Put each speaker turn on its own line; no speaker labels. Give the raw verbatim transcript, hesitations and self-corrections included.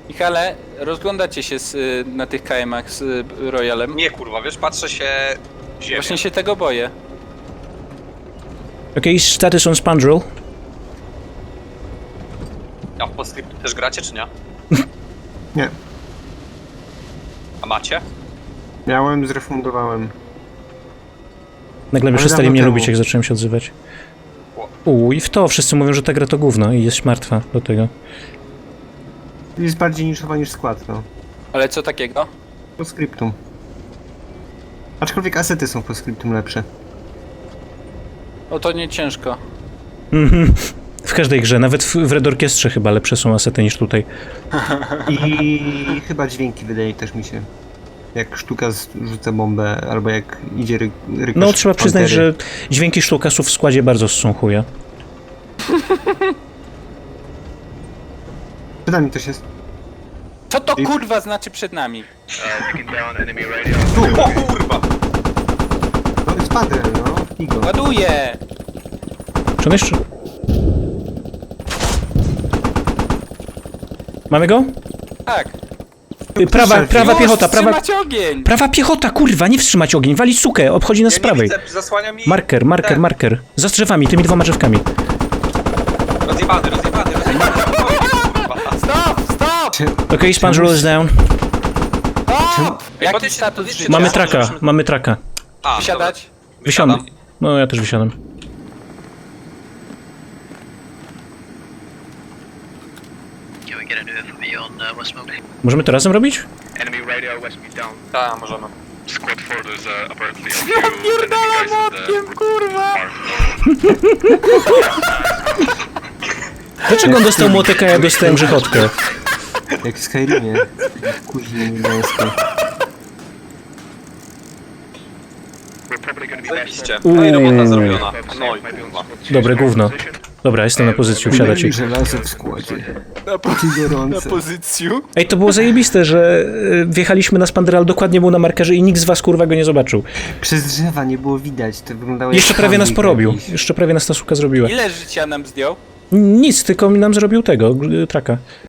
Michale, rozglądacie się z, y, na tych K M ach z y, Royalem?
Nie kurwa, wiesz, patrzę się w ziemię.
Właśnie się tego boję.
Okay, status on Spandrel.
A w Postscript też gracie, czy nie?
Nie.
A macie?
Miałem, zrefundowałem.
Nagle
Ale
przestali
dawno
mnie
temu.
lubić, jak zacząłem się odzywać. Uuu, i w to wszyscy mówią, że ta gra to gówno i jest martwa do tego.
Jest bardziej niszowa niż skład, no.
Ale co takiego?
Po skryptum. Aczkolwiek asety są po skryptum lepsze.
O, to nie ciężko.
Mhm. W każdej grze, nawet w, w Red Orchestrze chyba lepsze są asety niż tutaj.
I chyba dźwięki wydaje też mi się. Jak sztuka z- rzuca bombę, albo jak idzie ry rykosz
No, trzeba przyznać,
pantery.
że dźwięki sztukasów w składzie bardzo ssą chuja.
Przed nami też jest.
Co to kurwa znaczy przed nami?
O kurwa!
No jest padrel, no. Figo.
Ładuję!
Czy on jeszcze... Mamy go?
Tak.
Y, Prawa,
Już,
prawa
Już,
piechota, prawa...
wstrzymać ogień!
Prawa piechota, kurwa, nie wstrzymać ogień, walić sukę, obchodzi nas
Ja
z prawej.
nie widzę, zasłania mi...
Marker, marker,
ten.
marker. Za drzewami, tymi dwoma drzewkami.
Rozjebany, rozjebany, rozjebany. Kurwa.
Stop, stop!
Okej, okay, Spandrel is down.
O! Jaki
Podjedźcie-
status
podjedźcie
życia?
Mamy
Ja
traka,
żebyśmy-
mamy traka.
A,
Wysiadać?
dobra.
Wysiadam.
Wysiadam.
No, ja też wysiadam.
Can we get a new F O V on uh, West Smoke?
Możemy to razem robić?
Enemy radio west me down.
Tak, możemy.
Squad four, there's uh, apparently a few enemy guys at the
kurwa!
mark.
Dlaczego on dostał młotek, a ja dostałem grzechotkę?
Jak w Skyrimie. Kuźnie niebiańskie.
We're probably gonna be
Zajebiście. No i robota zrobiona. No i kurwa.
Dobre gówno. Dobra, jestem na pozycji, usiadacie.
I żelazo w składzie.
Na, po,
Ci
na
gorące.
pozycju.
Ej, to było zajebiste, że y, wjechaliśmy na Spandrel, dokładnie był na markerze i nikt z was kurwa go nie zobaczył.
Przez drzewa nie było widać, to wyglądało jak
Jeszcze prawie nas
handling
porobił.
jakiś.
Jeszcze prawie nas ta suka zrobiła.
Ile życia nam zdjął?
Nic, tylko mi nam zrobił tego, y, traka.